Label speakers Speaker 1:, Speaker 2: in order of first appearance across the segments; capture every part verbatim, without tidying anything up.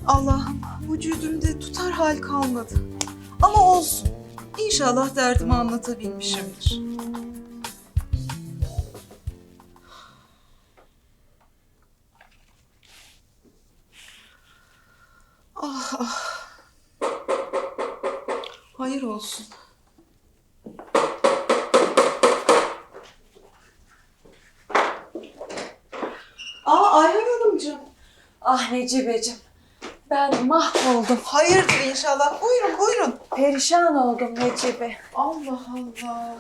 Speaker 1: Allah'ım vücudumda tutar hal kalmadı. Ama olsun. İnşallah derdimi anlatabilmişimdir. Ah ah. Hayır olsun. Aa Ayhan Hanımcığım.
Speaker 2: Ah Necibeciğim, ben mahvoldum.
Speaker 1: Hayırdır inşallah. Buyurun buyurun.
Speaker 2: Perişan oldum Necibe.
Speaker 1: Allah Allah.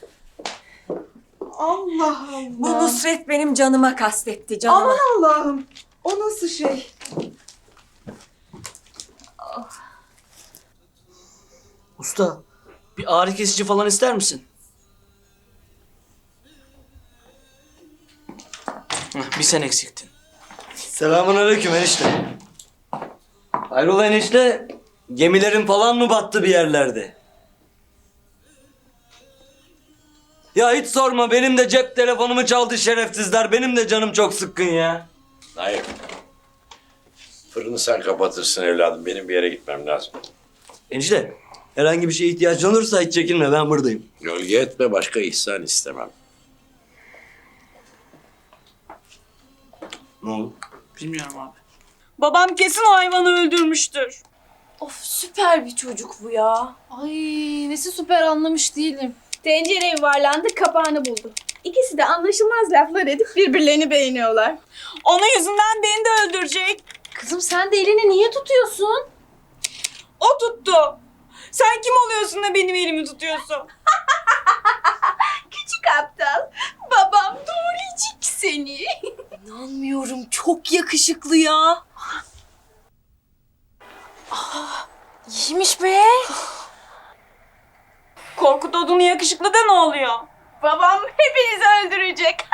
Speaker 1: Allah Allah.
Speaker 2: Bu Nusret benim canıma kastetti, canıma.
Speaker 1: Aman Allah'ım. O nasıl şey?
Speaker 3: Usta, bir ağrı kesici falan ister misin? Heh, bir sen eksiktin. Selamünaleyküm enişte. Hayrola enişte? Gemilerin falan mı battı bir yerlerde? Ya hiç sorma, benim de cep telefonumu çaldı şerefsizler. Benim de canım çok sıkkın ya.
Speaker 4: Hayır. Fırını sen kapatırsın evladım. Benim bir yere gitmem lazım.
Speaker 3: Enişte, herhangi bir şeye ihtiyacın olursa hiç çekinme, ben buradayım.
Speaker 4: Gölge etme, başka ihsan istemem.
Speaker 3: Ne oldu? Bilmiyorum abi.
Speaker 5: Babam kesin o hayvanı öldürmüştür.
Speaker 2: Of, süper bir çocuk bu ya.
Speaker 6: Ay nesi süper anlamış değilim.
Speaker 5: Tencere yuvarlandı, kapağını buldu. İkisi de anlaşılmaz laflar edip birbirlerini beğeniyorlar. Onun yüzünden beni de öldürecek.
Speaker 6: Kızım sen de elini niye tutuyorsun?
Speaker 5: O tuttu. Sen kim oluyorsun da benim elimi tutuyorsun? Küçük aptal. Babam doğrayacak seni.
Speaker 2: İnanmıyorum, çok yakışıklı ya. Ah, iyiymiş be.
Speaker 5: Korkut odunu yakışıklı da ne oluyor? Babam hepinizi öldürecek.